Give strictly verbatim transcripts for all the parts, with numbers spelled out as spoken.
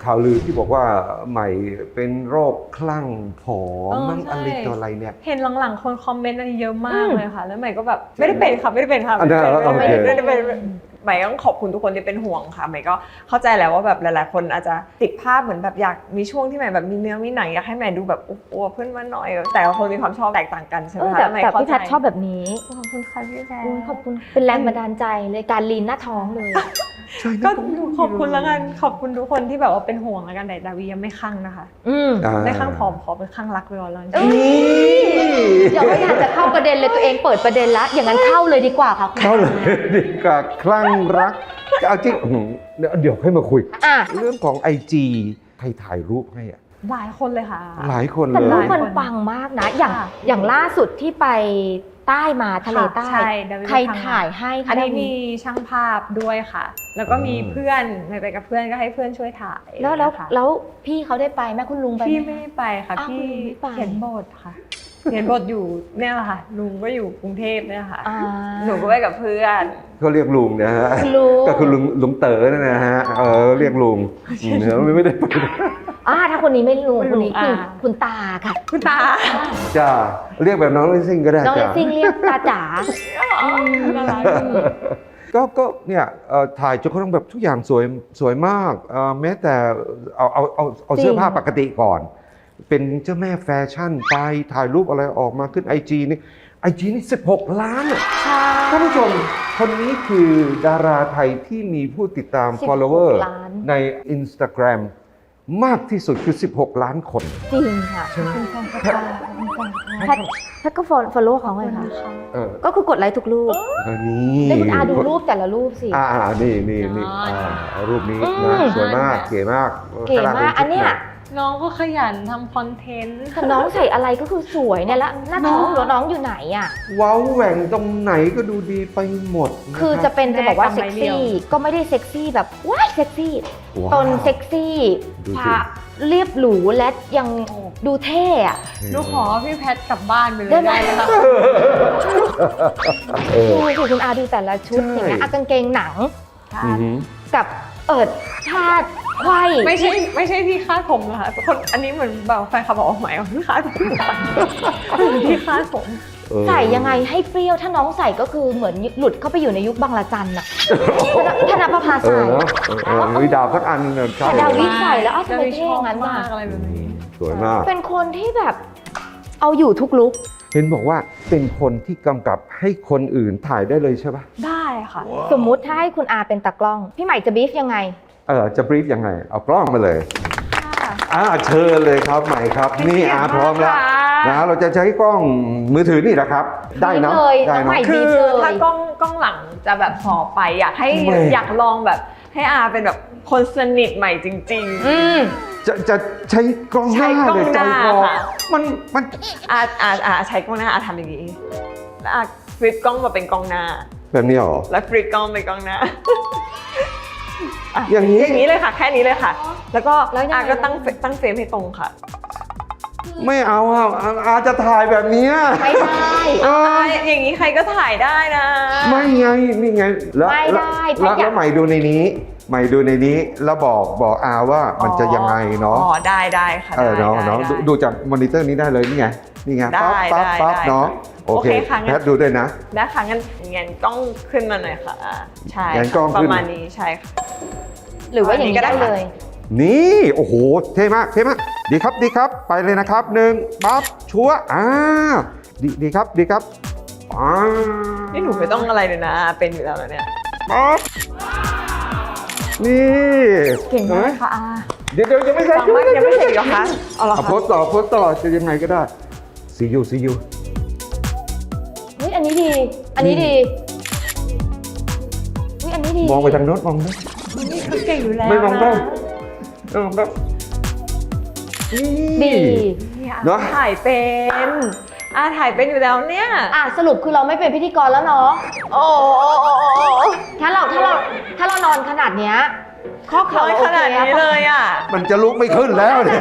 ข่าวลือที่บอกว่าใหม่เป็นโรคคลั่งผอมมั่งอะไรตัวอะไรเนี่ยเห็นหลังๆคนคอมเมนต์อันนี้เยอะมากเลยค่ะแล้วใหม่ก็แบบไม่ได้เป็นค่ะไม่ได้เป็นค่ะไม่ได้ไม่ได้เป็นใหม่ต้องขอบคุณทุกคนที่เป็นห่วงค่ะใหม่ก็เข้าใจแล้วว่าแบบหลายๆคนอาจจะติดภาพเหมือนแบบอยากมีช่วงที่ใหม่แบบมีเนื้อมีหนังอยากให้ใหม่ดูแบบอ้วนขึ้นมาหน่อยแต่ละคนมีความชอบแตกต่างกันใช่ไหมคะแต่แต่พี่แพทชอบแบบนี้ขอบคุณค่ะพี่แพทขอบคุณเป็นแรงบันดาลใจเลยการลีนหน้าท้องเลยก็ขอบคุณแล้วกันขอบคุณทุกคนที่แบบว่าเป็นห่วงแล้วกันแต่ดาวียังไม่คลั่งนะคะอืมไม่คลั่งผอมขอเป็นคลั่งรักไปก่อนแล้วอย่าไม่อยากจะเข้าประเด็นเลยตัวเองเปิดประเด็นละอย่างนั้นเข้าเลยดีกว่าค่ะเข้าเลยดีกว่าคลั่งรักเอาจริงเดี๋ยวเดี๋ยวให้มาคุยเรื่องของ ไอ จี ใครถ่ายรูปให้อ่ะหลายคนเลยค่ะหลายคนเลยแต่รูปมันปังมากนะอย่างอย่างล่าสุดที่ไปใต้มาทะเลใต้ใครถ่ายให้อันนี้มีช่างภาพด้วยค่ะแล้วก็มีเพื่อนไปกับเพื่อนก็ให้เพื่อนช่วยถ่ายแล้วแล้วแล้วพี่เขาได้ไปแม่คุณลุงไปพี่ไม่ได้ไปค่ะพี่เขียนบทค่ะเขียนบทอยู่เนี่ยแหละค่ะลุงก็อยู่กรุงเทพเนี่ยค่ะหนูก็ไปกับเพื่อนเขาเรียกลุงนะฮะก็คือลุงลุงเต๋อนั่นนะฮะเออเรียกลุงเนื้อไม่ได้ไปอ่าถ้าคนนี้ไม่ลุงคนนี้คือคุณตาค่ะคุณตาจ้าเรียกแบบน้องเลซิ่งก็ได้น้องเลซิ่งเรียกตาจ๋าก็ก็เนี่ยถ่ายจนเขาต้องแบบทุกอย่างสวยสวยมากแม้แต่เอาเอาเอาเอาเสื้อผ้าปกติก่อนเป็นเจ้าแม่แฟชั่นไปถ่ายรูปอะไรออกมาขึ้น ไอ จี นี่ ไอ จี นี่สิบหกล้านอ่ะท่านผู้ชมคนนี้คือดาราไทยที่มีผู้ติดตาม follower ใน Instagram มากที่สุดคือสิบหกล้านคนจริงค่ะใช่ไหมแพทแพทก็ follow เขาไงคะก็คือกดไลค์ทุกรูปนี่ได้คุณอาดูรูปแต่ละรูปสิอ่านี่นี่นี่รูปนี้นะสวยมากเก๋มากเก๋มากอันเนี้ยน้องก็ขยันทำคอนเทนต์แต่น้องใส่อะไรก็คือสวยเนี่ยแล้วหน้าท้องหรือน้องอยู่ไหนอ่ะเว้าแหว่งตรงไหนก็ดูดีไปหมดคือจะเป็นจะบอกว่าเซ็กซี่ก็ไม่ได้เซ็กซี่แบบว้ายเซ็กซี่ตนเซ็กซี่พาเรียบหรูและยังดูเท่อะดูขอพี่แพทกลับบ้านไปเลยได้ไหมคะดูสิคุณอาดูแต่ละชุดอย่างเงี้ยกางเกงหนังกับเอิดชาติไขว้ไม่ใช่ไม่ใช่ที่คาดผมนะคะคนอันนี้เหมือนแบบแฟนคลับบอกว่าหมายว่าที่คาดผมที่คาดผมใส่ยังไงให้เปรี้ยวถ้าน้องใส่ก็คือเหมือนหลุดเข้าไปอยู่ในยุคบังละจันน่ะถ้านับประภาใส่มีดาวสักอันเนี่ยดาววิใส่แล้วอ้าวทำไมเท่งั้นมากอะไรแบบนี้สวยมากเป็นคนที่แบบเอาอยู่ทุกลุคเห็นบอกว่าเป็นคนที่กำกับให้คนอื่นถ่ายได้เลยใช่ปะได้ค่ะสมมุติถ้าให้คุณอาเป็นตากล้องพี่ใหม่จะบีฟยังไงเออจะบรีฟยังไงเอากล้องมาเลยอ่าเชิญเลยครับใหม่ครับนี่อาพร้อมแล้วนะเราจะใช้กล้องมือถือนี่แหละครับได้เนาะได้เนาะคือถ้ากล้องกล้องหลังจะแบบพอไปอยากให้อยากลองแบบให้อาเป็นแบบคนสนิทใหม่จริงๆจะจะใช้กล้องหน้าเลยใจคอมันมันอาอาอาใช้กล้องหน้าอาทำอย่างนี้แล้วอาฟลิปกล้องมาเป็นกล้องหน้าแบบนี้หรอแล้วฟลิปกล้องเป็นกล้องหน้าอย่างนี้อย่างนี้เลยค่ะแค่นี้เลยค่ะแล้วก็อาก็ตั้งตั้งเฟรมให้ตรงค่ะไม่เอาอ่ะอาจะถ่ายแบบนี้ไม่ได้อย่างนี้ใครก็ถ่ายได้นะไม่ไงนี่ไงแล้วแล้วใหม่ดูในนี้ใหม่ดูในนี้แล้วบอกบอกอาว่ามันจะยังไงเนาะอ๋อได้ได้ค่ะเออเนาะเนาะดูจากมอนิเตอร์นี้ได้เลยนี่ไงนี่ไงปั๊บปั๊บปั๊บเนาะโอเคแพทดูด้วยนะได้ค่ะงั้นงั้นกล้องขึ้นมาหน่อยค่ะใช่ประมาณนี้ใช่ค่ะหรือว่าอย่างนี้ก็ได้เลยนี่โอ้โหเท่มากเท่มากดีครับดีครับไปเลยนะครับหนึ่งปั๊บชัวอ่าดีดีครับดีครับอ่านี่หนูไม่ต้องอะไรเลยนะเป็นอยู่แล้วเนี่ยปั๊บนี่เก่งมากค่ะอาเดี๋ยวเดี๋ยวยังไม่เสร็จยังไม่เสร็จหรอคะเอาละโพสต่อโพสต่อจะยังไงก็ได้ซียูซียูเฮ้ยอันนี้ดีอันนี้ดีเฮ้ยอันนี้ดีมองไปทางโน้นมองด้วยนี่เขาเก่งอยู่แล้วไม่มองได้ไม่มองได้ดีเนาะถ่ายเป็นอาถ่ายเป็นอยู่แล้วเนี่ยอ่ะสรุปคือเราไม่เป็นพิธีกรแล้วเนาะโอ้ถ้าเราถ้าเราถ้าเรานอนขนาดเนี้ยข้อเข่าขนาดนี้เลยอ่ะมันจะลุกไม่ขึ้นแล้วเนี่ย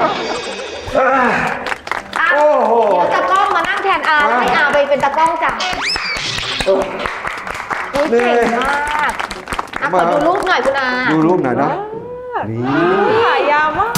โอ้โหเดี๋ยวตากล้องมานั่งแทนอาให้อาไปเป็นตากล้องจ้ะอุ้ยเก่งมากอ่ะขอดูรูปหน่อยคุณอาดูรูปหน่อยนะนี่ถ่ายราม่า